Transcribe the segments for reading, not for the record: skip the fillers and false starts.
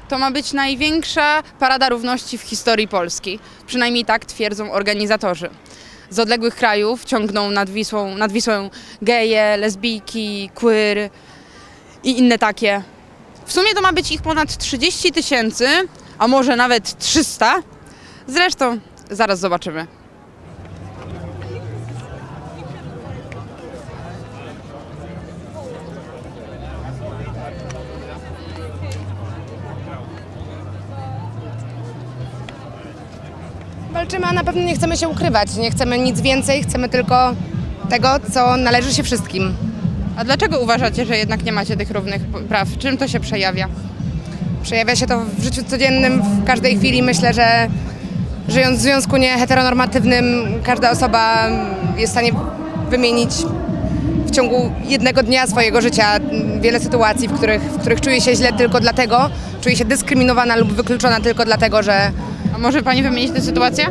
To ma być największa parada równości w historii Polski. Przynajmniej tak twierdzą organizatorzy. Z odległych krajów ciągną nad Wisłą geje, lesbijki, queer i inne takie. W sumie to ma być ich ponad 30 000, a może nawet 300. Zresztą zaraz zobaczymy. Walczymy, a na pewno nie chcemy się ukrywać. Nie chcemy nic więcej, chcemy tylko tego, co należy się wszystkim. A dlaczego uważacie, że jednak nie macie tych równych praw? Czym to się przejawia? Przejawia się to w życiu codziennym, w każdej chwili. Myślę, że żyjąc w związku nieheteronormatywnym, każda osoba jest w stanie wymienić w ciągu jednego dnia swojego życia wiele sytuacji, w których czuje się źle tylko dlatego, czuje się dyskryminowana lub wykluczona tylko dlatego, że... A może pani wymienić tę sytuację?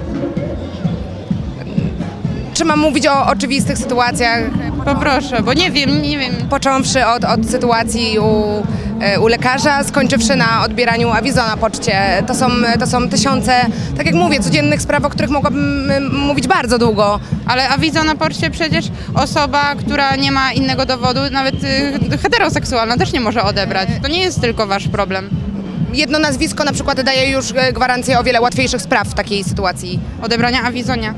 Czy mam mówić o oczywistych sytuacjach? Poproszę, bo nie wiem. Począwszy od sytuacji u lekarza, skończywszy na odbieraniu awizo na poczcie. To są tysiące, tak jak mówię, codziennych spraw, o których mogłabym mówić bardzo długo. Ale awizo na poczcie przecież osoba, która nie ma innego dowodu, nawet heteroseksualna też nie może odebrać. To nie jest tylko wasz problem. Jedno nazwisko na przykład daje już gwarancję o wiele łatwiejszych spraw w takiej sytuacji. Odebrania awizonia.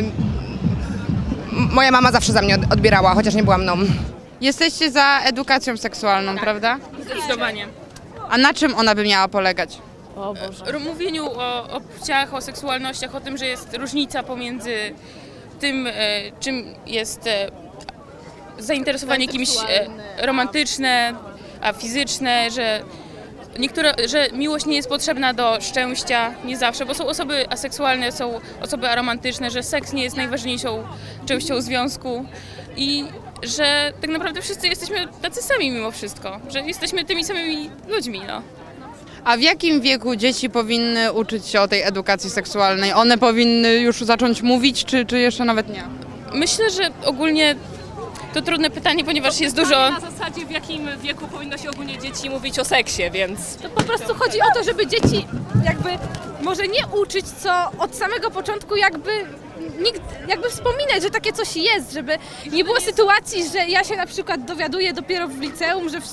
Moja mama zawsze za mnie odbierała, chociaż nie była mną. Jesteście za edukacją seksualną, prawda? Zdecydowanie. A na czym ona by miała polegać? O Boże. Mówieniu o płciach, o seksualnościach, o tym, że jest różnica pomiędzy tym, czym jest zainteresowanie kimś romantyczne, a fizyczne, że miłość nie jest potrzebna do szczęścia, nie zawsze, bo są osoby aseksualne, są osoby aromantyczne, że seks nie jest najważniejszą częścią związku i że tak naprawdę wszyscy jesteśmy tacy sami mimo wszystko, że jesteśmy tymi samymi ludźmi, no. A w jakim wieku dzieci powinny uczyć się o tej edukacji seksualnej? One powinny już zacząć mówić, czy jeszcze nawet nie? Myślę, że ogólnie to trudne pytanie, ponieważ jest dużo... Na zasadzie, w jakim wieku powinno się ogólnie dzieci mówić o seksie, więc... To po prostu chodzi o to, żeby dzieci jakby może nie uczyć, co od samego początku jakby wspominać, że takie coś jest, żeby nie było sytuacji, że ja się na przykład dowiaduję dopiero w liceum, że w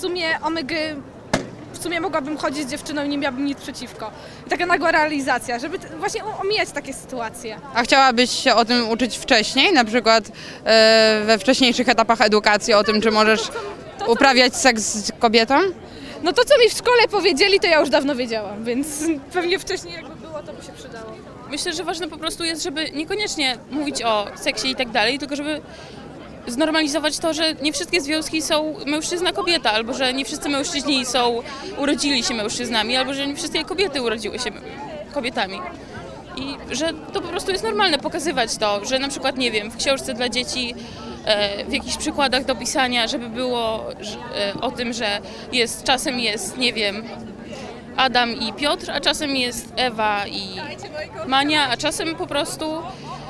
sumie mogłabym chodzić z dziewczyną i nie miałabym nic przeciwko. I taka nagła realizacja, żeby właśnie omijać takie sytuacje. A chciałabyś się o tym uczyć wcześniej, na przykład we wcześniejszych etapach edukacji, o tym, czy możesz uprawiać seks z kobietą? No to, co mi w szkole powiedzieli, to ja już dawno wiedziałam, więc pewnie wcześniej jakby było, to by się przydało. Myślę, że ważne po prostu jest, żeby niekoniecznie mówić o seksie i tak dalej, tylko żeby znormalizować to, że nie wszystkie związki są mężczyzna-kobieta, albo że nie wszyscy mężczyźni urodzili się mężczyznami, albo że nie wszystkie kobiety urodziły się kobietami. I że to po prostu jest normalne pokazywać to, że na przykład, nie wiem, w książce dla dzieci, w jakichś przykładach do pisania, żeby było o tym, że czasem jest, nie wiem, Adam i Piotr, a czasem jest Ewa i Mania, a czasem po prostu...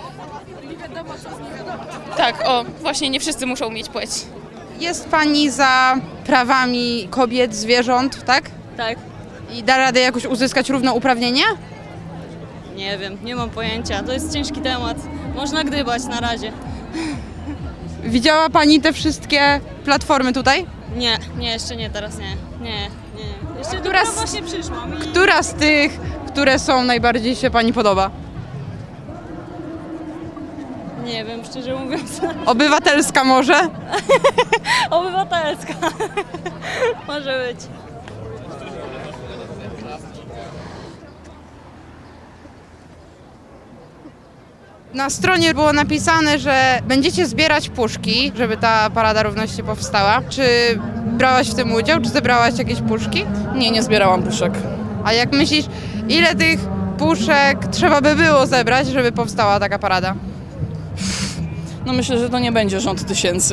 Tak, właśnie nie wszyscy muszą mieć płeć. Jest pani za prawami kobiet, zwierząt, tak? Tak. I da radę jakoś uzyskać równouprawnienie? Nie wiem, nie mam pojęcia. To jest ciężki temat. Można gdybać na razie. Widziała pani te wszystkie platformy tutaj? Nie, jeszcze nie, teraz nie. Nie. Jeszcze Która dopiero właśnie przyszłam. Która z tych, które są, najbardziej się pani podoba? Nie wiem, szczerze mówiąc. Obywatelska może? Obywatelska. Może być. Na stronie było napisane, że będziecie zbierać puszki, żeby ta Parada Równości powstała. Czy brałaś w tym udział? Czy zebrałaś jakieś puszki? Nie zbierałam puszek. A jak myślisz, ile tych puszek trzeba by było zebrać, żeby powstała taka parada? No myślę, że to nie będzie rząd tysięcy.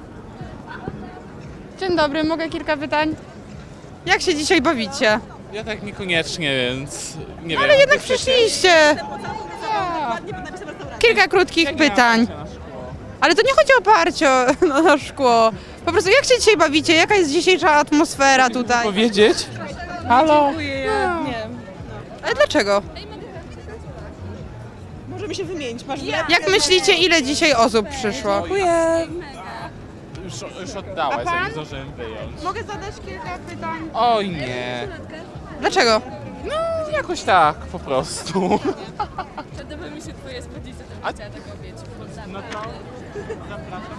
Dzień dobry, mogę kilka pytań? Jak się dzisiaj bawicie? Ja tak niekoniecznie, więc nie wiem. Ale jednak przyszliście. Kilka krótkich pytań. Ale to nie chodzi o parcie na szkło. Po prostu jak się dzisiaj bawicie? Jaka jest dzisiejsza atmosfera tutaj? Powiedzieć? Halo? Ale dlaczego? Możemy się wymienić. Masz Jak myślicie, ile dzisiaj osób przyszło? Dziękuję. Już oddałaś, ja nie zdążyłem wyjąć. Mogę zadać kilka pytań. Oj nie. Dlaczego? Jakoś tak, po prostu. Podoba mi się twoje spódnice, to bym chciała taką mieć. No to zapraszam.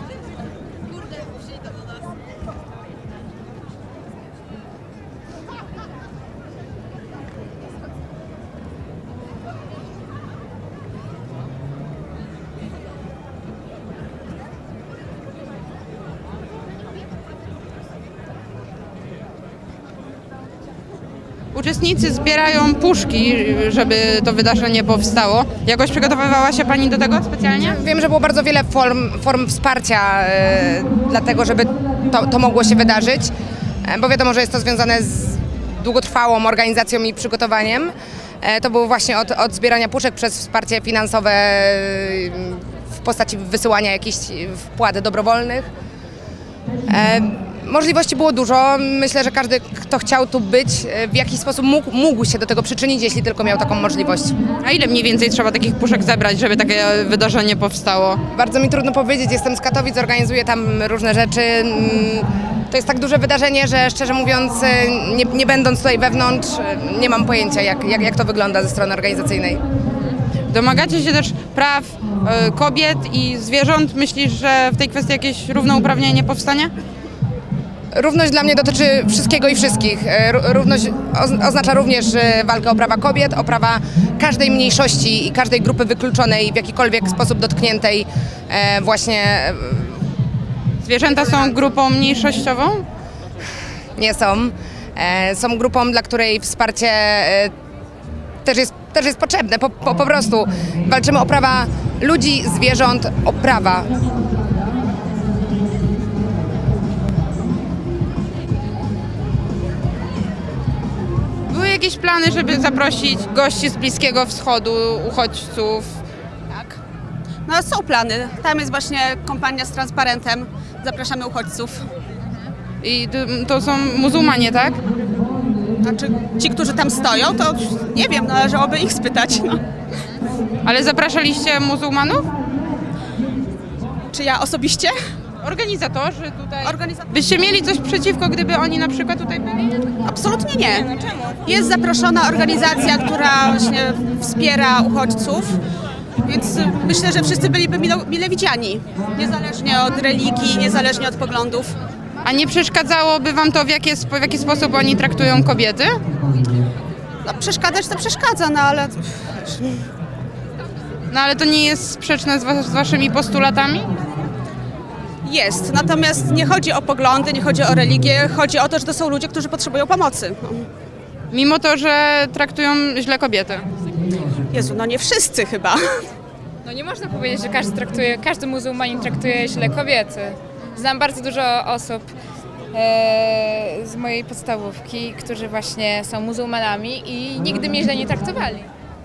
Uczestnicy zbierają puszki, żeby to wydarzenie powstało. Jakoś przygotowywała się Pani do tego specjalnie? Wiem, że było bardzo wiele form wsparcia dla tego, żeby to mogło się wydarzyć, bo wiadomo, że jest to związane z długotrwałą organizacją i przygotowaniem. To było właśnie od zbierania puszek przez wsparcie finansowe w postaci wysyłania jakichś wpłat dobrowolnych. Możliwości było dużo. Myślę, że każdy, kto chciał tu być, w jakiś sposób mógł się do tego przyczynić, jeśli tylko miał taką możliwość. A ile mniej więcej trzeba takich puszek zebrać, żeby takie wydarzenie powstało? Bardzo mi trudno powiedzieć, jestem z Katowic, organizuję tam różne rzeczy. To jest tak duże wydarzenie, że szczerze mówiąc, nie będąc tutaj wewnątrz, nie mam pojęcia, jak to wygląda ze strony organizacyjnej. Domagacie się też praw kobiet i zwierząt. Myślisz, że w tej kwestii jakieś równouprawnienie powstanie? Równość dla mnie dotyczy wszystkiego i wszystkich. Równość oznacza również walkę o prawa kobiet, o prawa każdej mniejszości i każdej grupy wykluczonej, w jakikolwiek sposób dotkniętej właśnie. Zwierzęta są grupą mniejszościową? Nie są. Są grupą, dla której wsparcie też jest potrzebne. Po prostu walczymy o prawa ludzi, zwierząt, o prawa. Były jakieś plany, żeby zaprosić gości z Bliskiego Wschodu, uchodźców? Tak. No są plany. Tam jest właśnie kompania z transparentem. Zapraszamy uchodźców. I to są muzułmanie, tak? Znaczy ci, którzy tam stoją, to nie wiem, należałoby ich spytać. No. Ale zapraszaliście muzułmanów? Czy ja osobiście? Organizatorzy tutaj. Byście mieli coś przeciwko, gdyby oni na przykład tutaj byli? Absolutnie nie. Jest zaproszona organizacja, która właśnie wspiera uchodźców, więc myślę, że wszyscy byliby mile widziani. Niezależnie od religii, niezależnie od poglądów. A nie przeszkadzałoby wam to, w jaki sposób oni traktują kobiety? No, przeszkadzać to przeszkadza, no ale No ale to nie jest sprzeczne z waszymi postulatami? jest. Natomiast nie chodzi o poglądy, nie chodzi o religię, chodzi o to, że to są ludzie, którzy potrzebują pomocy. No. Mimo to, że traktują źle kobiety. Jezu, no nie wszyscy chyba. No nie można powiedzieć, że każdy muzułmanin traktuje źle kobiety. Znam bardzo dużo osób z mojej podstawówki, którzy właśnie są muzułmanami i nigdy mnie źle nie traktowali.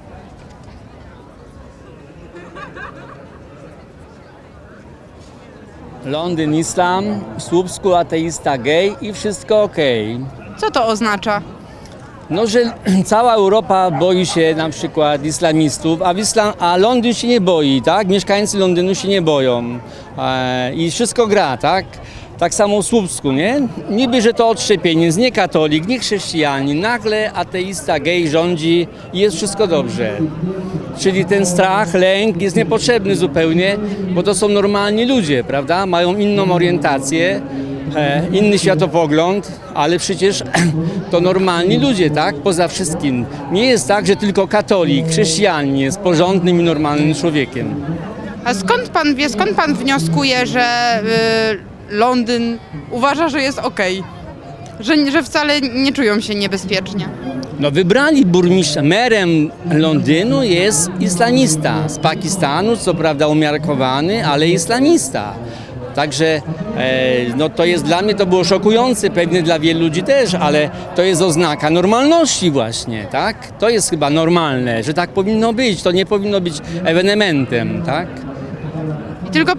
Londyn islam, w Słupsku ateista gej i wszystko okej. Co to oznacza? No, że cała Europa boi się na przykład islamistów, a Londyn się nie boi, tak? Mieszkańcy Londynu się nie boją i wszystko gra, tak? Tak samo w Słupsku, nie? Niby, że to odszczepienie, nie katolik, nie chrześcijanin, nagle ateista gej rządzi i jest wszystko dobrze. Czyli ten strach, lęk jest niepotrzebny zupełnie, bo to są normalni ludzie, prawda? Mają inną orientację, inny światopogląd, ale przecież to normalni ludzie, tak? Poza wszystkim. Nie jest tak, że tylko katolik, chrześcijanin jest porządnym i normalnym człowiekiem. A skąd pan wie, skąd pan wnioskuje, że Londyn uważa, że jest okej? Że wcale nie czują się niebezpiecznie? No wybrali burmistrza, merem Londynu jest islamista z Pakistanu, co prawda umiarkowany, ale islamista. Także no to jest dla mnie, to było szokujące, pewnie dla wielu ludzi też, ale to jest oznaka normalności właśnie, tak? To jest chyba normalne, że tak powinno być, to nie powinno być ewenementem, tak? I tylko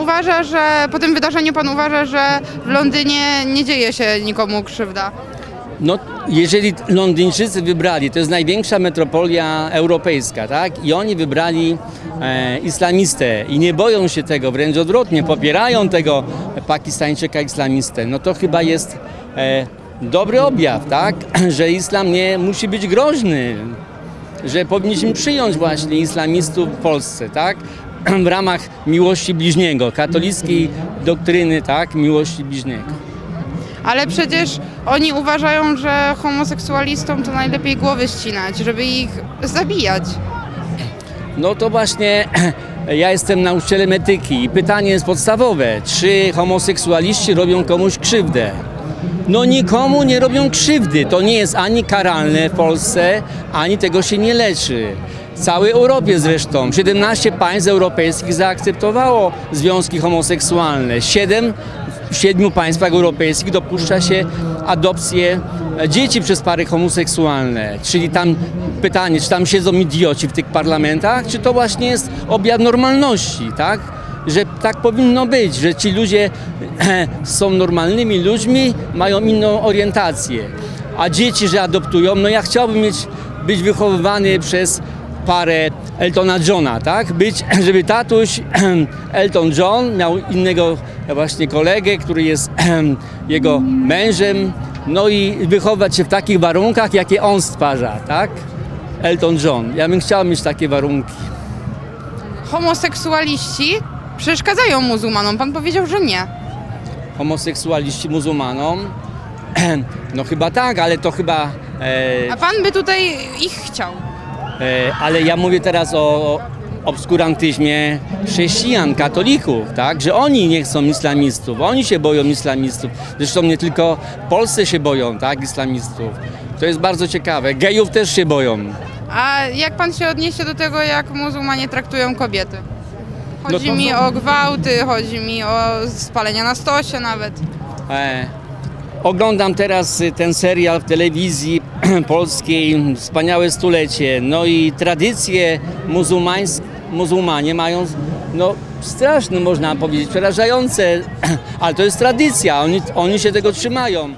po tym wydarzeniu pan uważa, że w Londynie nie dzieje się nikomu krzywda? No, jeżeli Londyńczycy wybrali, to jest największa metropolia europejska, tak? I oni wybrali islamistę i nie boją się tego, wręcz odwrotnie, popierają tego Pakistańczyka islamistę, no to chyba jest dobry objaw, tak? Że islam nie musi być groźny, że powinniśmy przyjąć właśnie islamistów w Polsce, tak? W ramach miłości bliźniego, katolickiej doktryny, tak? Miłości bliźniego. Ale przecież oni uważają, że homoseksualistom to najlepiej głowy ścinać, żeby ich zabijać. No to właśnie ja jestem nauczycielem etyki i pytanie jest podstawowe, czy homoseksualiści robią komuś krzywdę? No nikomu nie robią krzywdy, to nie jest ani karalne w Polsce, ani tego się nie leczy. W całej Europie zresztą, 17 państw europejskich zaakceptowało związki homoseksualne, w 7 państwach europejskich dopuszcza się adopcję dzieci przez pary homoseksualne. Czyli tam pytanie, czy tam siedzą idioci w tych parlamentach, czy to właśnie jest objaw normalności, tak? Że tak powinno być, że ci ludzie są normalnymi ludźmi, mają inną orientację. A dzieci, że adoptują, no ja chciałbym być wychowywany przez parę Eltona Johna, tak? Żeby tatuś Elton John miał innego właśnie kolegę, który jest jego mężem, no i wychować się w takich warunkach, jakie on stwarza, tak? Elton John. Ja bym chciał mieć takie warunki. Homoseksualiści przeszkadzają muzułmanom. Pan powiedział, że nie. Homoseksualiści muzułmanom? No chyba tak, ale to chyba... A pan by tutaj ich chciał. Ale ja mówię teraz o obskurantyzmie chrześcijan, katolików, tak? Że oni nie chcą islamistów, oni się boją islamistów. Zresztą nie tylko w Polsce się boją, tak? Islamistów. To jest bardzo ciekawe. Gejów też się boją. A jak pan się odniesie do tego, jak muzułmanie traktują kobiety? Chodzi No to- mi o gwałty, chodzi mi o spalenia na stosie nawet. Oglądam teraz ten serial w telewizji polskiej, Wspaniałe stulecie. No i tradycje muzułmanie mają, no straszne można powiedzieć, przerażające, ale to jest tradycja, oni się tego trzymają.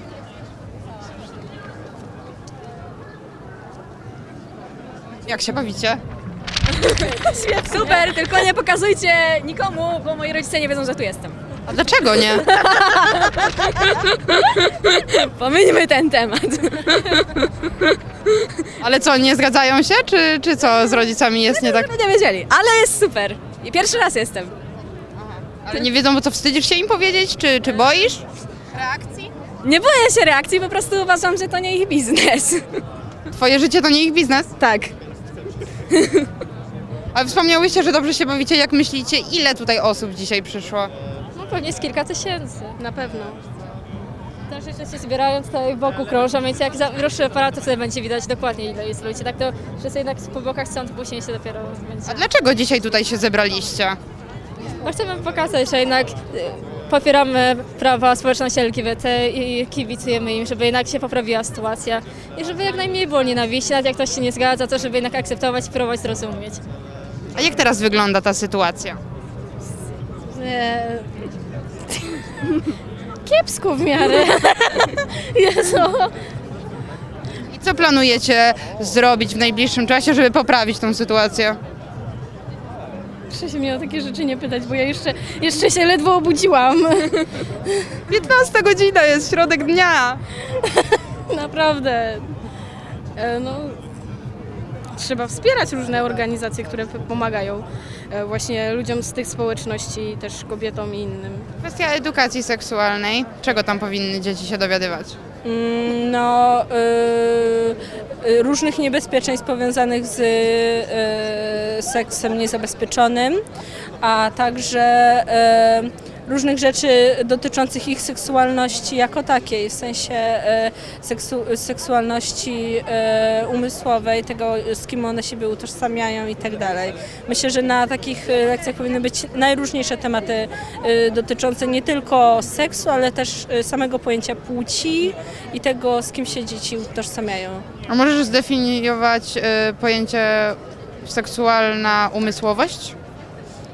Jak się bawicie? Super, tylko nie pokazujcie nikomu, bo moi rodzice nie wiedzą, że tu jestem. A dlaczego nie? Pomińmy ten temat. Ale co, nie zgadzają się? Czy co z rodzicami jest nie tak? Nie wiedzieli, ale jest super. I pierwszy raz jestem. Ale nie wiedzą, bo co, wstydzisz się im powiedzieć? Czy boisz? Nie boję się reakcji, po prostu uważam, że to nie ich biznes. Twoje życie to nie ich biznes? Tak. Ale wspomniałyście, że dobrze się bawicie. Jak myślicie, ile tutaj osób dzisiaj przyszło? No pewnie z kilka tysięcy, na pewno. Też jeszcze się zbierając tutaj wokół krążą, więc jak ruszy aparat, to wtedy będzie widać dokładnie, ile jest ludzi. Tak to wszyscy jednak po bokach stąd później się dopiero będzie. A dlaczego dzisiaj tutaj się zebraliście? No chcemy pokazać, że jednak popieramy prawa społeczności LGBT i kibicujemy im, żeby jednak się poprawiła sytuacja i żeby jak najmniej było nienawiści, nawet jak ktoś się nie zgadza, to żeby jednak akceptować i próbować zrozumieć. A jak teraz wygląda ta sytuacja? Kiepsko w miarę. Jezu. I co planujecie zrobić w najbliższym czasie, żeby poprawić tą sytuację? Proszę się mnie o takie rzeczy nie pytać, bo ja jeszcze się ledwo obudziłam. 15 godzina jest, środek dnia. Naprawdę. No, trzeba wspierać różne organizacje, które pomagają właśnie ludziom z tych społeczności, też kobietom i innym. Kwestia edukacji seksualnej. Czego tam powinny dzieci się dowiadywać? No, różnych niebezpieczeństw powiązanych z seksem niezabezpieczonym, a także różnych rzeczy dotyczących ich seksualności jako takiej, w sensie seksualności umysłowej, tego z kim one siebie utożsamiają i tak dalej. Myślę, że na takich lekcjach powinny być najróżniejsze tematy dotyczące nie tylko seksu, ale też samego pojęcia płci i tego, z kim się dzieci utożsamiają. A możesz zdefiniować pojęcie seksualna umysłowość?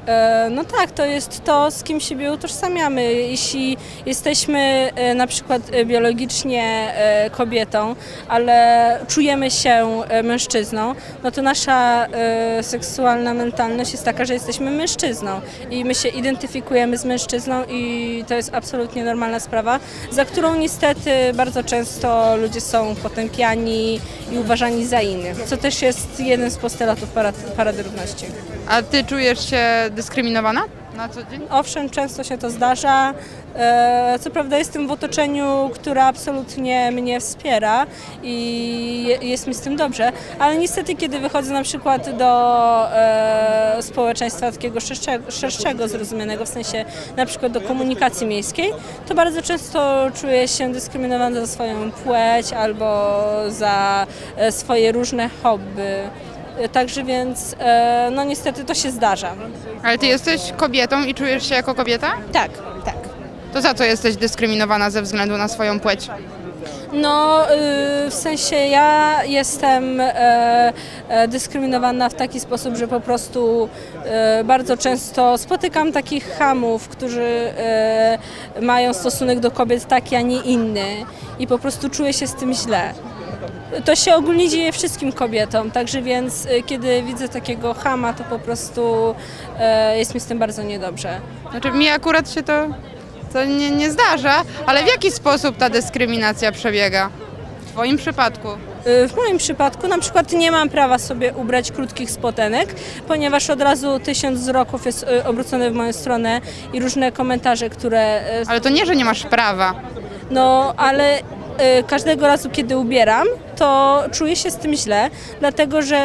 No tak, to jest to, z kim siebie utożsamiamy. Jeśli jesteśmy na przykład biologicznie kobietą, ale czujemy się mężczyzną, no to nasza seksualna mentalność jest taka, że jesteśmy mężczyzną i my się identyfikujemy z mężczyzną i to jest absolutnie normalna sprawa, za którą niestety bardzo często ludzie są potępiani i uważani za innych, co też jest jeden z postulatów Parady Równości. A ty czujesz się dyskryminowana na co dzień? Owszem, często się to zdarza. Co prawda jestem w otoczeniu, które absolutnie mnie wspiera i jest mi z tym dobrze, ale niestety kiedy wychodzę na przykład do społeczeństwa takiego szerszego, zrozumianego, w sensie na przykład do komunikacji miejskiej, to bardzo często czuję się dyskryminowana za swoją płeć albo za swoje różne hobby. Także więc, no niestety to się zdarza. Ale ty jesteś kobietą i czujesz się jako kobieta? Tak, tak. To za co jesteś dyskryminowana ze względu na swoją płeć? No, w sensie ja jestem dyskryminowana w taki sposób, że po prostu bardzo często spotykam takich chamów, którzy mają stosunek do kobiet taki, a nie inny i po prostu czuję się z tym źle. To się ogólnie dzieje wszystkim kobietom, także więc kiedy widzę takiego chama, to po prostu jest mi z tym bardzo niedobrze. Znaczy mi akurat się to nie zdarza, ale w jaki sposób ta dyskryminacja przebiega? W twoim przypadku? W moim przypadku na przykład nie mam prawa sobie ubrać krótkich spodenek, ponieważ od razu 1000 wzroków jest obrócone w moją stronę i różne komentarze, które... Ale to nie, że nie masz prawa. No, ale każdego razu, kiedy ubieram, to czuję się z tym źle, dlatego że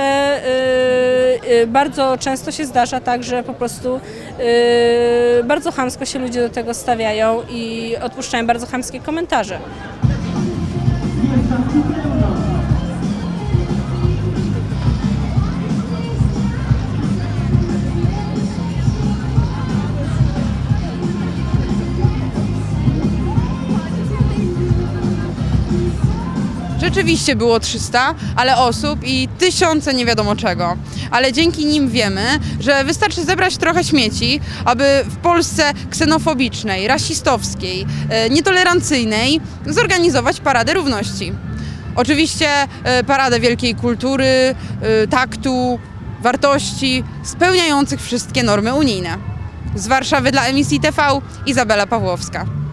bardzo często się zdarza tak, że po prostu bardzo chamsko się ludzie do tego stawiają i odpuszczają bardzo chamskie komentarze. Rzeczywiście było 300, ale osób i tysiące nie wiadomo czego. Ale dzięki nim wiemy, że wystarczy zebrać trochę śmieci, aby w Polsce ksenofobicznej, rasistowskiej, nietolerancyjnej zorganizować Paradę Równości. Oczywiście paradę wielkiej kultury, taktu, wartości spełniających wszystkie normy unijne. Z Warszawy dla Emisji TV Izabela Pawłowska.